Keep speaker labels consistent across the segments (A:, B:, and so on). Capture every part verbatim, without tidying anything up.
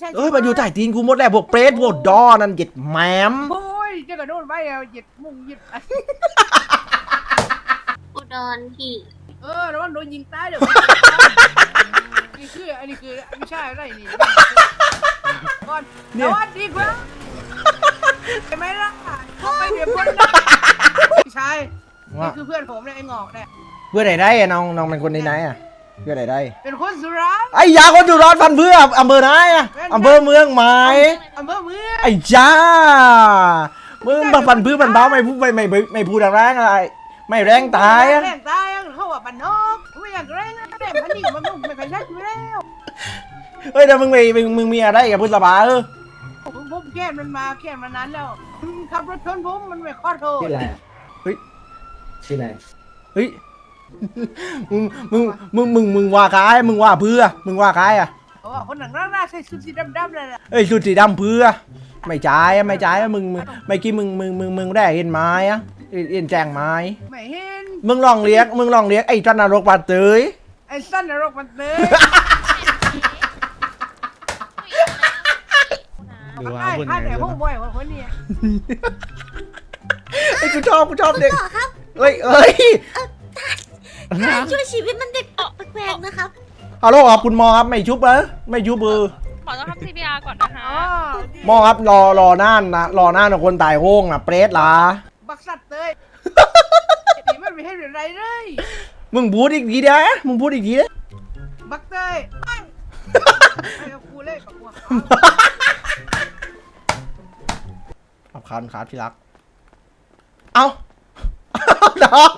A: ใช่
B: เอ้ยมันอยู่ใต้ตีนกูหมดแล้วพวกเปรตพวกดอนั่นเหย็ดแหมม
A: โอ้ยเจ้ากระโดดไปเอาเหยียดมุงเหยียด
C: อุดรพี่
A: เออแล้วมันโดนยิงตายเดี๋ยวนี่คืออันนี้คือไม่ใช่อะไรนี่ก่อนสวัสดีครับใช่ไหมล่ะเขาไปเดี๋ยวคนนะใช่นี่คือเพื่อนผมเนี่ยไอ้งอกเนี่ย
B: เพื่อไหนได้อะน้องน้องเป็นคนไหนๆอะเพื่อไหนได้
A: เป็นคนสุราษฎร์
B: ไอ้ยาคนอยู่ร้อนฟันเพื่ออำเภอไหนอะอำเภอเมืองไหม
A: อำเภอเมือง
B: ไอ้จ้ามึงมาฟันเพื่อมันเบาไม่พูดไม่ไม่ไม่พูดแรงอะไรไม่แรงตายอะ
A: แรงตายอะเขาว่าบันนอกไม่อยากแรงนะแต่พันนี่มันไม่เคยใช้อยู่แล้ว
B: เฮ้ยแต่มึงมีมึงมึงมีอะไรกับพุทธบาเออ
A: ผมผมแค้นมันมาแค้นมานานแล้วขับรถชนผมมันไม่ขอโทษ
D: ชื่ออะไรอะ
B: เฮ้ย
D: ชื่ออะไร
B: เฮ้ยมึงมึงมึงมึงมึงว่าใครมึงว่าเพื่อมึงว่าใครอะ
A: เพราะว่าคนหนังร่างหน้าใส่ชุดสีดำๆเลยนะ
B: เอ้ยชุดสีดำเพื่อไม่จ่ายอะไม่จ่ายอะมึงมึงไม่อกี้มึงมึงมึงมึงได้เห็นไม้อะเห็นเห็นแจงไม้
A: ไม่เห็น
B: มึงลองเรียกมึงลองเรียกไอ้จันนรกบาดเตย
A: ไอ้สั้นนรกมันเตย
E: ดู
A: มัน
E: ว่า
A: ได้
E: คนไหน
A: ค่าแต่
E: เลย
A: ห้อง
E: นะ
A: บ่อยคนนี้
B: ไอ้กูชอบกูชอบเด็ก
C: ต่อครับ
B: เอ้ยเอ้ย
C: การช่วยชีวิตมันเด็กแปลกๆนะครับ
B: ฮัลโหลครับคุณหมอครับไม่ชุบเหรอไม่ชุบเบอร์
F: หมอต้องทำ ซี พี อาร์ ก่อนนะคะ
A: อ๋อ
B: หมอครับรอรอน่านนะรอน่านของคนตายโห้งนะเปรตล่ะ
A: บักสัตว์เตยนี่มันไม่ให้อะไรเลย
B: มึงพูดอีกทีเด้อมึงพูดอีกทีเด้อ
A: บักเตยไอ้ไอ้กับกูเลยกับกูเขา
B: ขับคันครับที่รักเอ้าน้อง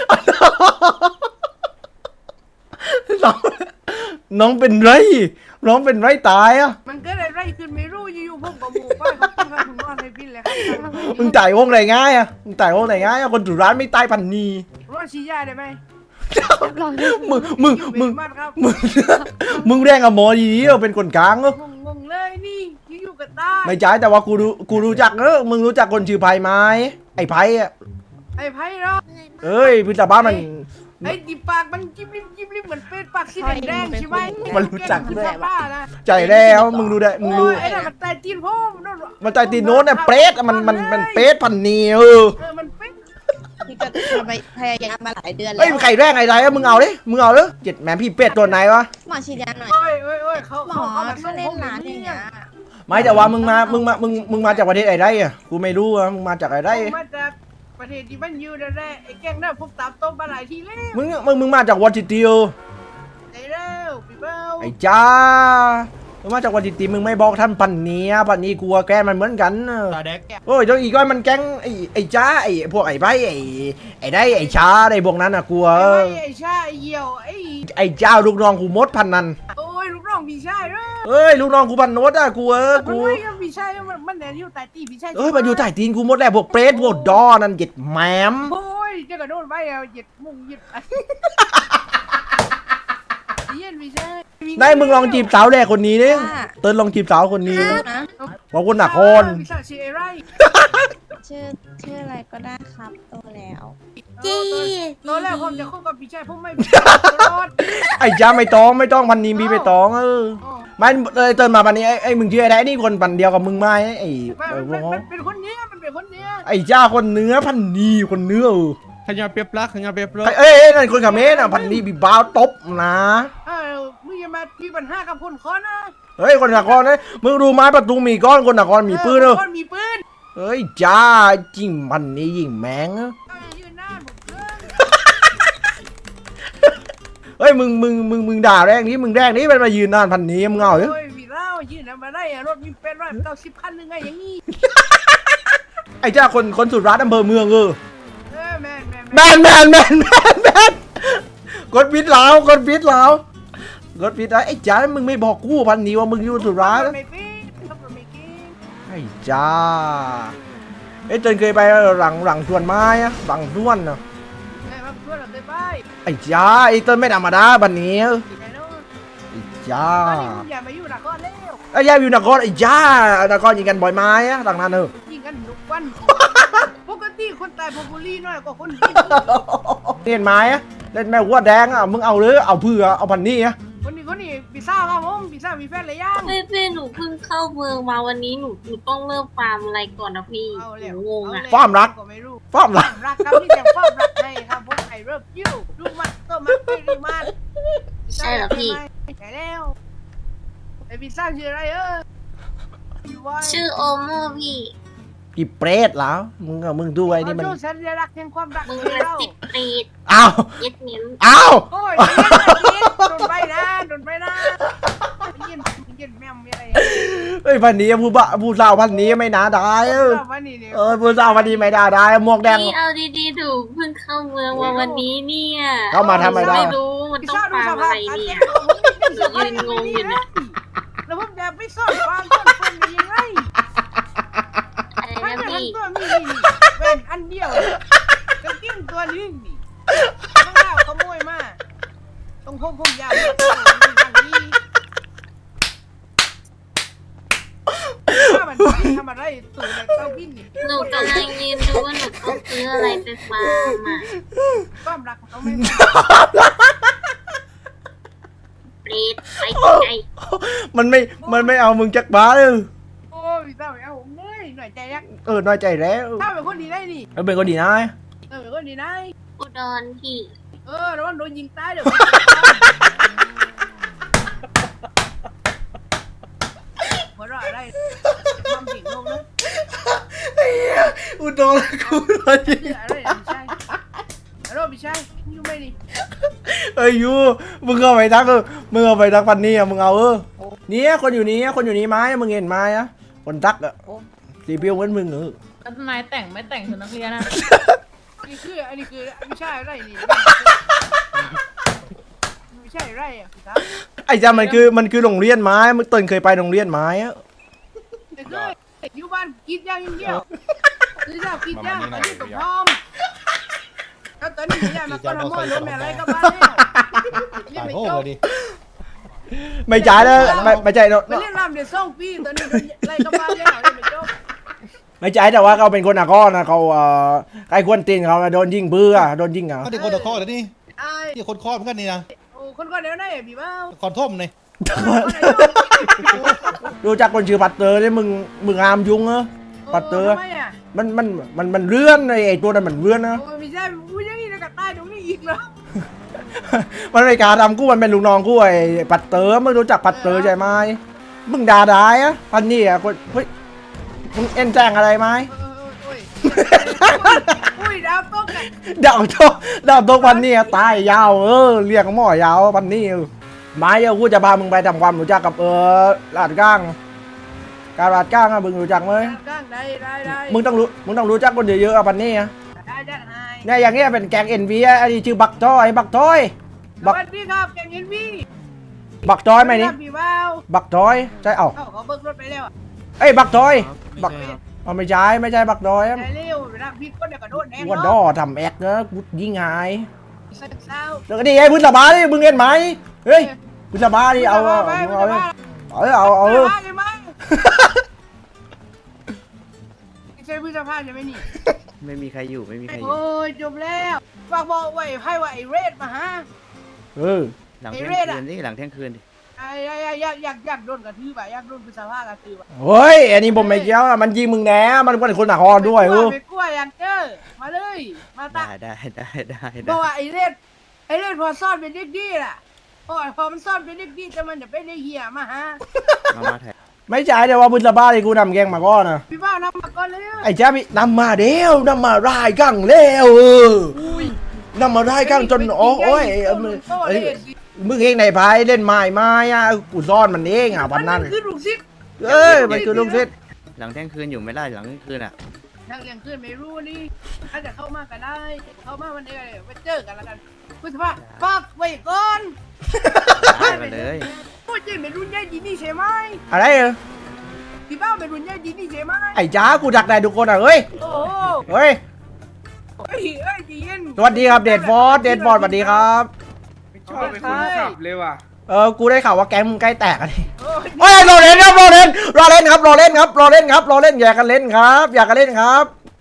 B: น้องน้องเป็นไรน้องเป็นไรตายอ่ะ
A: มันเกิดอะไรขึ้นไม่รู้อยู่ๆพวกบะหมูป้ายเขาขึ้นมาถึงนอนในบินเลยครับ
B: มึงตายโห้งไหนง่ายอ่ะมึงตายโห้งไหนง่ายอ่ะคนถูร้านไม่ตายพันนี
A: รอดชี้ยาได้ไหม
B: มึงมึงมึง
A: มากครับ
B: มึงมึงแรงกับหมอดีๆเราเป็นคนกลางเออ
A: งงงเลยนี่อยู่ๆกับตา
B: ไม่ใช่แต่ว่ากูรู้กูรู้จักเออมึงรู้จักคนชื่อไผ่ไหมไอ้ไผ่อะ
A: ไอ้ไพ่เนาะ
B: เอ้ยพิซซ่าบ้านมัน
A: ไอ้ดิปากมันจิ้มริมจิ้มริมเหมือนเป็ดปากสีแดงๆใช่ไหม
B: มันรู้จักด้วย
A: บ้านะ
B: ใจแล้วมึงรู้ได้มึงรู้
A: โอ้ยไอ้นั่นมันตายตีนพ่อมันโดน
B: มันใจตีนโน้นเนี่ยเปรตอะมันมันมันเปรตพันนีเออ
A: เออมันเป็ด
G: นี่ก็ทำไปพยายามมาหลายเดือนแล้
B: เฮ้ยว ไข่แรงไอ้ไรอะมึงเอาดิมึงเอาเลยเจ็ดแหมพี่เป็ดตัวไหนวะ
G: หมอฉีดยาหน่อย
A: โอ้ยโอ้ยโอ้ยเขา
G: หม
A: เขา
G: อ
A: เขาแบบ
G: ถ้าเล่นร้านอย่างเงี้ย
B: ไม่แต่ว่ามึงมามึงมามึงมึงมาจากประเทศไหนได้อะกูไม่รู้อะมึงมาจากไหนได้
A: ผมมาจากประเทศที่มันอยู่นั่นแหละไอ้แกงหน้าพวกตามต้มมาหลายทีแล้ว
B: มึงมึงมึงมาจากวอชิติโอ
A: ไอ้เร็วพี่เบ้า
B: ไอ้จ้ามึงมาจากวอชิติมึงไม่บอกท่านพันนีอะพันนีกลัวแกมันเหมือนกันอะ
E: ตาเด็ก
B: โอ้ยเดี๋ยวอีกก้อยมันแก๊งไอ้ไอ้จ้าไอ้พวกไอ้ใบไอ้ไอ้ได้ไอ้ช้าไอ้พวกนั้นอะกลัว
A: ไอ้
B: เออ
A: ไอ้ชาไอ้เหี่ยวไอ้
B: ไอ้เจ้าลูกน้องกูมดพันนัน
A: โอ้ยลูกน้องพี่ชายเด้อ
B: เอ้ยลูกน้องกูพันโนดอะกูเออ
A: มัน
B: กู
A: ไม่กับพี่ชายมันมันแนนอยู่ใต้ตีพี่ชาย
B: เอ้ยมันอยู่ใต้ตีนกูมดแล้วพวกเปรตพวกดอนั่นเหย็ดแหมม
A: โอ้ยเจ้ากระโดดไปเอาเหยียดมุงเหยียดเย็นพี่ชาย
B: นายมึงลองจีบสาวแรกคนนี้ดิเติ้ลลองจีบสาวคนนี้
G: นะ
B: บอกคนหนักคน
A: พี่ชายชื่ออะไร
G: ชื่อชื่ออะไรก็ได้ครับโตแล้ว
C: จี
A: ตอนแรกผมจะคบกับพี่ชายผมไม่ตลอด
B: ไอ้จ้าไม่ต้องไม่ต้องพันนี้มีไปต้องเออไม่เลยเติ้ลมาพันนี้ไอ้ไอ้มึงชื่ออะไรนี่คนพันเดียวกับมึงไหมไอ้
A: มัน
B: ไอ้พว
A: มั
B: ก
A: น
B: เขา
A: มันเป็นคนเนี้ยมันเป็นคนเนี้ย
B: ไอ้จ้าคนเนื้อพันนีคนเนื้อเออ
E: ขยับเปียบลักขยับเปียบลัก
B: ไอ้เอ้ยเอ้ยนั่นคนกับเมสอ่ะพันนี้บีบ้าวตบนะ
A: เออมึงอย่ามามีปัญหากับคนคอนะ
B: เฮ้ยคนนครนะมึงรู้ไหมประตูมีก้อนคนนครมีปืนเนอะ
A: คนมีปืน
B: เฮ้ยจ้าจริงพันนี้ยิงแมงอะ
A: เอาอย่ายืนหน้าผมเกิน
B: เฮ้ยมึงมึงมึงมึงด่าแรงนี้มึงแรงนี้มันมายืนนานพันนี้มึงเอาเหรอ
A: โอ้ยวีเล่ายืนทำมาได้อะรถมีเป็นร้อยเก้าสิบคันหรือไงอย่างงี้
B: ไอ้จ้าคนคนสุดรัฐอำเภอเมืองเออ
A: เออแมนแมน
B: แมนแมนแมนแมนแมนกดพิษแล้วกดพิษแล้วกดพิษแล้วไอ้จ้ามึงไม่บอกกูพันนี้ว่ามึงอยู่สุดรัฐ
A: ไม่ปีนขับรถไม่กิน
B: ไอ้จ้าเอ้ยเจนเคยไปหลังหลังสวนไม้อะหลังสวนอะ
A: ไงมาเพื่อนเราเคยไป
B: ไอ้จ้าไอ้เต้นไม่ธรรมดาบันนี้
A: ที่ไหนโน่น
B: ไอ้จ้า
A: ตอนนี้มึงอย่ามาอยู่นครแล้ว
B: ไอ้ยาอยู่นครไอ้จ้านครยิงกันบ่อยไม้อะหลังนั้นเออ
A: ยิงกันทุกวันปกติคนตายพบุรีน้อยกว่าคนกิน
B: เล่นไม้อะเล่นแม่หัวแดงอะมึงเอาเลยเอาเพื่อเอาพันนี้อะ
A: คนนี้คนนี้พิซซ่าครับผมพิซซ่ามีแฟนหรือยัง
C: เป้เป้หนูเพิ่งเข้าเมืองมาวันนี้หนูหนูต้องเริ่มฟาร์มอะไรก่อนนะพี่
A: เอา
C: ห
A: แล้ว
C: นูงงอ่ะ
B: ฟาร์มรัก
A: ก็ไม่รู้
B: ฟาร์มรัก
A: รักครับพี่แจมฟาร์มรักให้ครับผมไอเริ่มยิ้วดูมันตัวมันไม่ดีมัน
C: ใช่เหรอพี่
A: ใช่แล้วไอพิซซ่าชื่ออะไรเออ
C: ชื่อโอโมพี่
B: กี่เปรตแล้วมึงอะมึงดูไอ้นี่มัน
A: เขาสัญลักษณ์แห่งความรัก
C: มึง
A: ให้
C: มา
A: เรา
C: สิบปีด
B: อ้าว
C: เย็ดเน้น
B: อ้าว
A: โอ้ยใจเย็นใจเย็นโดนไปนะโดนไปนะเย็นเย็นแม่มมีอะไร
B: เฮ้ยพันนี้ผู้บะผู้สาวพันนี้ไม่น่าได้เออ
A: วันนี้เนี่ย
B: เออผู้สาวพันนี้ไม่น่าได้หมวกแดง
C: พี่เอาดีๆดูเพิ่งเข้าเมืองมาวันนี้เนี่ย
B: เข้ามาทำไมได้
C: ไม่รู้มัน
A: พิซ
C: ต้อง
A: ซ่าดู
C: ฟาร์
A: ส
C: ม
A: ภา
C: อะ
A: พ
C: ไร
A: การ
C: เนี่ย
A: แต่งตัวผมนี่เป็นสภาพ
C: ยืนงงอยู่เนี่ย
A: แล้วผมจะไปซ่อนความซ่อนคนได้ยังไง
C: อะไร
A: ทั้ง
C: นะ
A: ทั้ง
C: พี่
A: ตัวมีนี่แว่นอันเดียวกางเกงตัวนึงนี่ต้องเล่าขโมยมาตรงผมผมยาวทางนี้ถ้ามันทำอะไรตู่ในเต้าบินนี่
C: หนูกำลังยืนดูว่าหนูต้องซื้ออะไรไปฟาร์มอ่ะ
A: ความรักของเขาไม่
C: เปรตไปไกล
B: มันไม่มันไม่เอามึงจักบ้าเลย
A: โอ้ยพี่สาวเอาผมเลยหน่อยใจยัก
B: เออน้อยใจแล้ว
A: ถ้าเป็นคนดีได้นี่
B: เออเป็นคนดีนะ
A: เออเป็นคนดีได้
C: อุดรพี่
A: เออแล้วมันโดนยิงตายเดี๋ยวหัวเราะอะไรทำผิดลงนะ
B: อุดรกูน้อยใจ
A: เชื่ออะไรไม่ใช่ฮัลโหลไม่ใช่ยูไม่ดี
B: เอ้ยยูมึงเอาไปทักเออมึงเอาไปทักพันนี้อ่ะมึงเอาเออเนี่ยคนอยู่นี้คนอยู่นี้ไหมมึงเห็นไหมอ่ะคนทักอ่ะสีเปียวเหมือนมึงเออ
D: แล้วนายแต่งไม่แต่งชุดนักเรียนนะ
A: นี่คืออันนี้คือไม่ใช่อะไรนี่ไม่ใช่อะไรอ่ะพี่ครับ
B: ไอ้จ้ามันคือมันคือโรงเรียนไม้มึงต้นเคยไปโรงเรียนไม้อ่ะ
A: แต่คืออยู่บ้านกินย่างอย่างเดียวคือชอบกินย่างอันนี้กับพร้อมแล้วตอนนี้ย่างมันก็ทำมอลมอะไรก็บ้าแล้วนี่
E: ตาย
A: ไม่
E: โง่
A: จบ
E: เลยดิ
B: ไม่จ่ายแล้วไม่ไม่จ่ายเนอะ
A: ไปเล่นรำเดี๋ยวส่งปีตอนนี้อะไรก็บ้าแล้วนี่ไม่จบ
B: ไม่จ่ายแต่ว่าเขาเป็นคนอาก้อนนะเขาเอ่อใครควรตีนเขาโดนยิงเบื่อโดนยิงเหรอ
E: ก็เด็กคนตะคอแล้วนี่
A: ไอ้
E: นี่คนคอเหมือนกันนี่นะ
A: โอ้คนก็เดี๋ยวได้พี่บ้า
E: คอนท่มเลย
B: รู้จักคนชื่อปัตเตอร์นี่มึงมึงอามยุงเหรอปัตเตอร์
A: ทำไมอ่ะ
B: มันมันมันมันเลื่อนไอ้ไอ้ตัวนั้นมันเลื่อนนะ
A: โอ้ไม่ใช่พูดอย่างนี้แล้วก็ตายตรงนี้อีกเหรอ
B: มันไม่กล้าทำกูมันเป็นลูกน้องกูไอ้ปัตเตอร์มึงรู้จักปัตเตอร์ใช่ไหมมึงด่าได้อะพันนี่อะคนเฮ้ยมึงเอ็นแจ้งอะไรไหม
A: เออโอ้ยอุ้ยดาวตกอ่ะ
B: ดาวโตดาวโตพันนี่อะตายยาวเออเรียกหม้อยาวพันนี่เออไม้เออกูจะพามึงไปทำความรู้จักกับเออลาดก้างการลาดก้างอะมึงรู้จักไหม
A: ก้างได้ได้ได้
B: มึงต้องรู้มึงต้องรู้จักคนเยอะๆอะพันนี่อะ
A: ได้ได้ได้
B: เนี่ยอย่างเงี้ยเป็นแกงเอ็นวีอันนี้ชื่อบักทอยบักทอย
A: สวัสดีครับแกงเอ็นวี
B: บักทอยไหมนี่
A: พี่บ้าว
B: บักทอยใช่เอ้า
A: เอ้าเขาเบิกรถไปแล้ว
B: เอ้ยบักทอยบักเอาไม่ใช่ไม่ใช่บักทอย
A: ได้เร็วเวลาพี่คนเดียวก็โดนแน่
B: วันดอทำแอกนะกูยิงหาย
A: เศร้า
B: แล้วก็นี่ไอ้พื้นสบายนี่มึงเห็นไหมเฮ้ยพื้นสบายนี่เอาเอาเอาเอาเอาเอา
A: ใช่ไหมใช่พื้นสภาพใช่ไหมนี่
H: ไม่มีใครอยู่ไม่มีใครอยู่
A: โอ้ยจบแล้วฝากบอกไว้ให้ว่าไอ้เรดมาฮะ
B: เออ
H: หลังเที่ยง
A: ไอ้เรศอะ
H: คืนดิหลังเที่ยงคืนดิ
A: ไอ้อยากอยากอยากโดนกระทืบอะอยากโดนพื้นสภาพกระทืบอะ
B: เฮ้ยอันนี้ผมไม่เกี่ยวมันยิงมึงแน่มันเป็นคนหนักคอด้วยเออ
A: ไม่กลัวอยากเจอมาเลยมาตา
H: ได้ได้ได้ได้
A: บ
H: ได้
A: อกว่าไอ้เล่นไอ้เล่นพอซ่อนเป็นเด็กดีล่ะพอพอมันซ่อนเป็นเด็กดีแต่มันจะเป็นเด็กเหี้ยมาฮะ
H: มามาถ่าย
B: ไม่ใช่แต่ว่าพื้นสบายนี่กูนำแกงมาก่อนนะ
A: พี่บ้านำมาก่อนเลย
B: ไอ้เจ้าพี่นำมาเดียวนำมาร่ายกังเร็วเออนำมาร่ายกังจนโอ้ยมึงเองไหนพายเล่นไม้ไม้อะกูซ่อนมันเองอ่ะวันนั้น
A: มันคือลูกศิษย์
B: เอ้ยมันคือลูกศิษย์
H: หลังเที่ยงคืนอยู่ไม่ได้หลังเที่ยงคืนอ่ะ
A: ทางเลี้ยงขึ้นไม่รู้นี่ถ้าจะเข้ามาก็ได้เข้ามาวันนี้ไปเจอกันแล้วกันพุทธภาฝากไว้ก่อน
H: ได้มาเลย
A: พูดจริงเป็นรุ่นใหญ่ดีนี่ใช่ไหม
B: อะไรเออ
A: พี่บ้าเป็นรุ่นใหญ่ดีนี่ใช่ไหม
B: ไอ้จ้ากูดักได้ทุกคนอ่ะเฮ้ย
A: โอ้โห
B: เฮ้ย
A: เฮ้ยเฮ้ยดีเย็น
B: สวัสดีครับเดดฟอร์ดเดดฟอร์ดสวัสดีครับ
I: ชอบเป็นคนขับเลยว่ะ
B: เออกูได้ข่าวว่าแก๊งมึงใกล้แตกอ่ะดิ
A: โอ้ย
B: เฮ้ยรอเล่นครับรอเล่นรอเล่นครับรอเล่นครับรอเล่นครับรอเล่นครับรอเล่นอย่ากันเล่นครับ อย่ากันเล่นครับ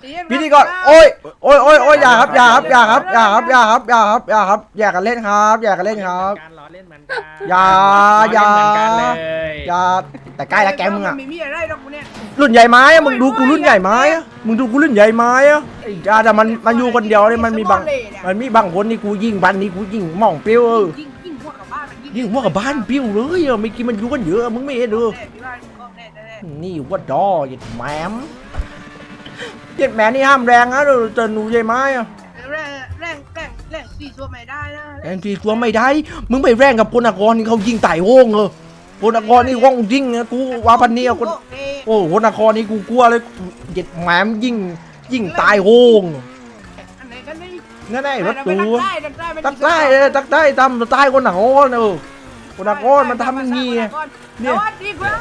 B: พิธีกรโอ้ยโอ้ยโอ้ยโอ้ยอย่าครับอย่าครับอย่าครับอย่าครับอย่าครับอย่าครับอย่าครับอย่ากันเล่นครับอย่ากันเล่นครับ
I: การล้อเล่นเหมือนกัน
B: อย่าอย่า
I: ล้เล่นเหมือนกันเลย
B: อย่าแต่ใกล้แล้วแกมึงอะ
A: ไม่มีอะไรหรอกเนี่ย
B: รุ่นใหญ่ไม้อะมึงดูกูรุ่นใหญ่ไม้อะมึงดูกูรุ่นใหญ่ไม้อะไอ้จ้าแต่มันมันอยู่คนเดียวเลยมันมีบางมันมีบางคนนี่กูยิงบันนี่กูยิงหม่องเปรี้ยวเออ
A: ยิ่งยิ่งพวกกับบ้านมัน
B: ยิงหัวกับบ้านเปรี้ยวเลยอะไม่กินมันอยู่กันเยอะมึงไม่เห็นเออ
A: แน่พี่ว่าก็แน่แน่
B: นี่ว่าดอเหยียดแหมมเหยียดแหมนี่ห้ามแรงนะเดี๋ยวเจอหนูใหญ่ไม้อะ
A: แรงแรงแรงแรงสี่ตัวไม่ได้นะ
B: แรงทีตัวไม่ได้มึงไปแรงกับพลนากรนี่เขายิงไต่โวงเออพลนากรนี่ว่องยิงนะกูว่าพันนี้คนโอ้พลนากรนี่กูกลัวเลยเหยียดแหมมยิงยิงตายโวง
A: อันไหนกันนี่
B: นั่นไอ้รถตู
A: ตั
B: ตั
A: ก
B: ก
A: ได้
B: ใต้เออตักใต้ทำใต้คนหนังโอนเออคนหนังโอนมันทำอย่างงี้ไง
A: เนี่ยวัดดีกว่า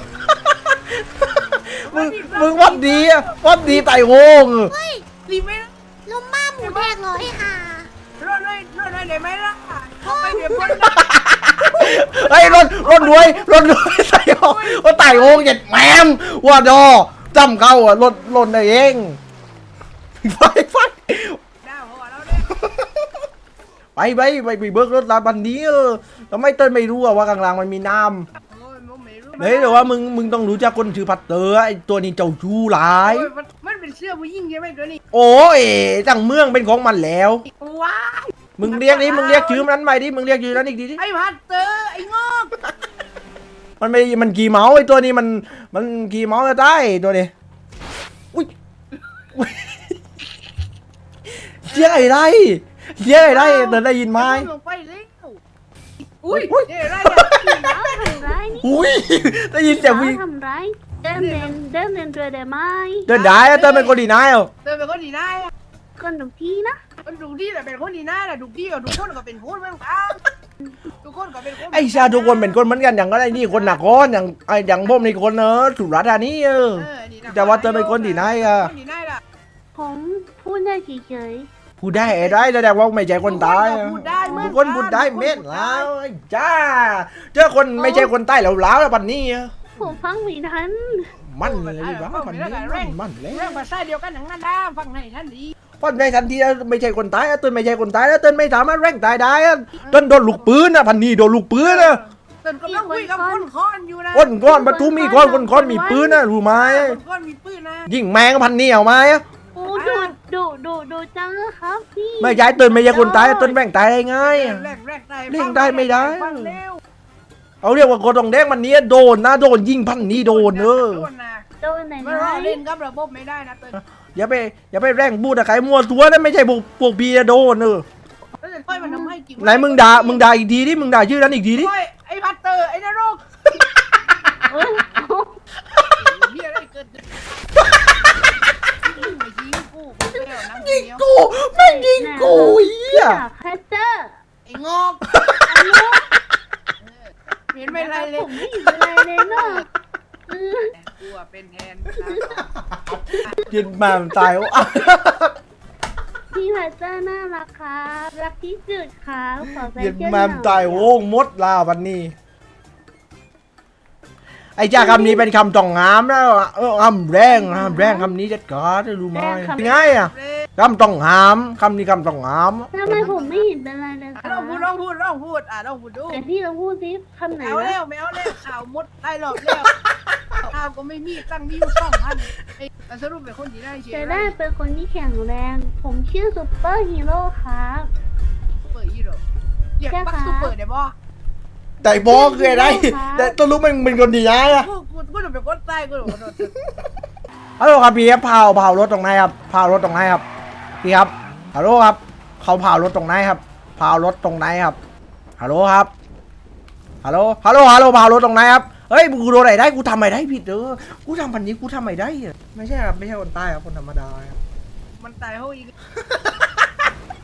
B: มึงมึงวัดดีอะวัดดีไต่โวง
A: ดีไหม
G: ลมบ้าหมูแดงเหรอไอ้ห่าร
A: อดเลยรอดเลยได้ไหมล่ะเขาไปเดี๋ยวคน
B: เฮ้ยรถรถด้วยรถด้วยไต่โวงว่าไต่โวงเหยียดแหมมว่าดอจำเข้าอ่ะรถรถได้เองไฟไฟ
A: ดาวหัวเราเนี่ย
B: ไปไปไปไปเบิกรถลาบันนี้เออทำไมเต้นไม่รู้อะว่ากลางๆมันมีน้ำ
A: โอ้ยมึงไม่รู้
B: เฮ้ยแต่ว่ามึงมึงต้องรู้จักคนชื่อพัตเตอร์ไอตัวนี้เจ้าชู้หลาย
A: โอ้ยมันมันเป็นเสื้อผู้หญิงใช่ไหมตัวนี้
B: โอ้ยจังเมืองเป็นของมันแล้ว
A: ว้า
B: มึงเรียกดิมึงเรียกชื่อมันใหม่ดิมึงเรียกชื่อนั้นอีกทีดิ
A: ไอ้พัดเตอร์ไอ้งอก
B: มันไม่มันกี่เมาส์ไอตัวนี้มันมันกี่เมาส์จะได้ตัวนี้อุ้ยอุ๊ยเสียงไอ้ไรเสียงไอ้ไรเดินได้ยินไหม
A: ลงไปเร็วอุ้ย
B: อุ๊ย
A: เดี๋ยวอะไรเนี่ย
C: ทำร้ายนี่
B: อุ้ยได้ยินเสียงวิ่ง
C: ทำร้ายเดินเดินเดินเดินเรือได้ไหม
B: เดินได้อะเดินเป็นคนดีนายอ่ะ
A: เตอร์เป็นคนดีน่า
C: คนทุกที่นะ
A: มันดูดีแต่เป็นคนดีน่าแหละดูดีกับทุกคนก็เป็นคนเหมือนกันทุกคนก็เป็นคน
B: ไอ้ชาทุกคนเป็นคนเหมือนกันอย่างก็ได้นี่คนหนักก้อนอย่างไอ้อย่างผมนี่คนเนอะสุราษฎร์ธานีเออ
A: เออนี่นะ
B: แต่ว่าเตอร์เป็นคนดีนายอ่ะ
A: คนดีน่าล่ะ
C: ผมพูดได้เฉย
B: พูดได้ไอ้ได้แสดงว่าไม่ใช่คนใต้
A: ทุกก็พูดได้เหมือน
B: ทุกคนพูดได้เม็ดแล้วไอ้จ้าเจอคนไม่ใช่คนใต้แล้วล้าวแล้วปันนี้อะ
C: ๆผมฟังไม่ทัน
B: มันเลยว้าปันนี้มันมันเลย
A: เรื่องภาษาเดียวกันอย่างนั้นนะฟังให้ท่านดี
B: เพราะในทันทีไม่ใช่คนใต้อะต้นไม่ใช่คนใต้แล้วต้นไม่สามารถแร่งตายได้อะต้นโดนลูกปืนอะพันนี้โดนลูกปืนอะ
A: ตนกำลังคุยกับคนคอนอยู่นะ
B: คนก้อนประตูมีก้อนคนก้อนมีปืนนะรู้ไหม
A: คนคอนมีปืนนะ
B: ยิงแมงพันนี้เอาไหมอะ
C: โอ้ดูดูดูดูจังครับพี่
B: ไม่ใช่ต้นไม่ใช่คนใต้ต้นแร่งตายได้ไง
A: แร
B: อะ
A: งแรงแรงได้
B: เร่งได้ไม่ได้
A: ฟังเร็ว
B: เอาเรียกว่าโกดองแดงมันเนี้ยโดนนะโดนยิงพันนี้โดนเออ
A: โดนนะ
C: โดนไหน
A: ไม่
C: ไหน
A: ว่าเล่นกับระบบไม่ได้นะเติ้ล
B: อย่าไปอย่าไปแร่งบูดอะใครมัวตัวนั่นไม่ใช่พวกพวกบีอะโดนเออ
A: แล้วจะค่อยมันทำให้จริง
B: ไหนมึงด่ามึงด่าอีกทีดิมึงด่าชื่อนั้นอีกทีดิ
A: โอ้ยไอ้พัตเตอร์ไอ้นรก
C: เอ้ย
A: เฮียอะไรเกิดยิงไปยิงกูกูเร็วนั่ง
B: ยิง
A: เดียว
B: กูแม่งยิงกูเหี้ย
C: แคสเตอร์
A: ไอ้งอกเห็นไม่ไรเล
C: ผ
A: ย
C: มไม่อยู่อะไรเลยเนาะเออ
A: กูอะเป็นแทน
B: ยิงมามันตายอ่ะ
C: พี่แคสเตอร์น่ารักครับรักที่สุดครับขอแฟน
B: ยิง
C: เจ้าห
B: มา
C: น่
B: มันตายโว้งมดลาวันนี้ไอ้จ้าคำนี้เป็นคำต้องงามแล้วอะเออคำแรงคำแรงคำนี้จัดการได้รู้ไหมง่ายอ่ะคำต้องงามคำนี้คำต้องงาม
C: ทำไมผมไม่เห็นเป็นไรเลยครั
A: ลองพูดลองพูดลองพูดอ่ะลองพูดดู
C: แต่พี่ลองพูดสิคำไหน
A: เอา
C: วะ
A: แล้วไม่เอาแล้วข่าวมดได้หรอกแล้วข่าวก็ไม่มีตั้งมีอยู่สองพันไอ้แต่สรุปเป็นคนที่ได้เชีย
C: จะ
A: ร์
C: ได้เป็นคนที่แข็งแรง ผมชื่อซุปเปอร์ฮีโร่ครับ
A: เปิดยี่หรออยากปักซูเปอร์ได้บ่
B: แต่บอกคืออะไรแต่ต้องรู้มันเป็นคนดีนะอ่ะ
A: กูกูกูจะเป็นคนใต้กูจะเป็นคน
B: ฮัลโหลครับพี่ครับเผาเผารถตรงไหนครับเผารถตรงไหนครับพี่ครับฮัลโหลครับเขาเผารถตรงไหนครับเผารถตรงไหนครับฮัลโหลครับฮัลโหลฮัลโหลฮัลโหลเผารถตรงไหนครับเฮ้ยกูโดนอะไรได้กูทำอะไรได้ผิดเด้อกูทำพันนี้กูทำอะไรได้อะไม่ใช่ครับไม่ใช่คนใต้ครับคนธรรมดาครับ
A: มันตายเขาอีก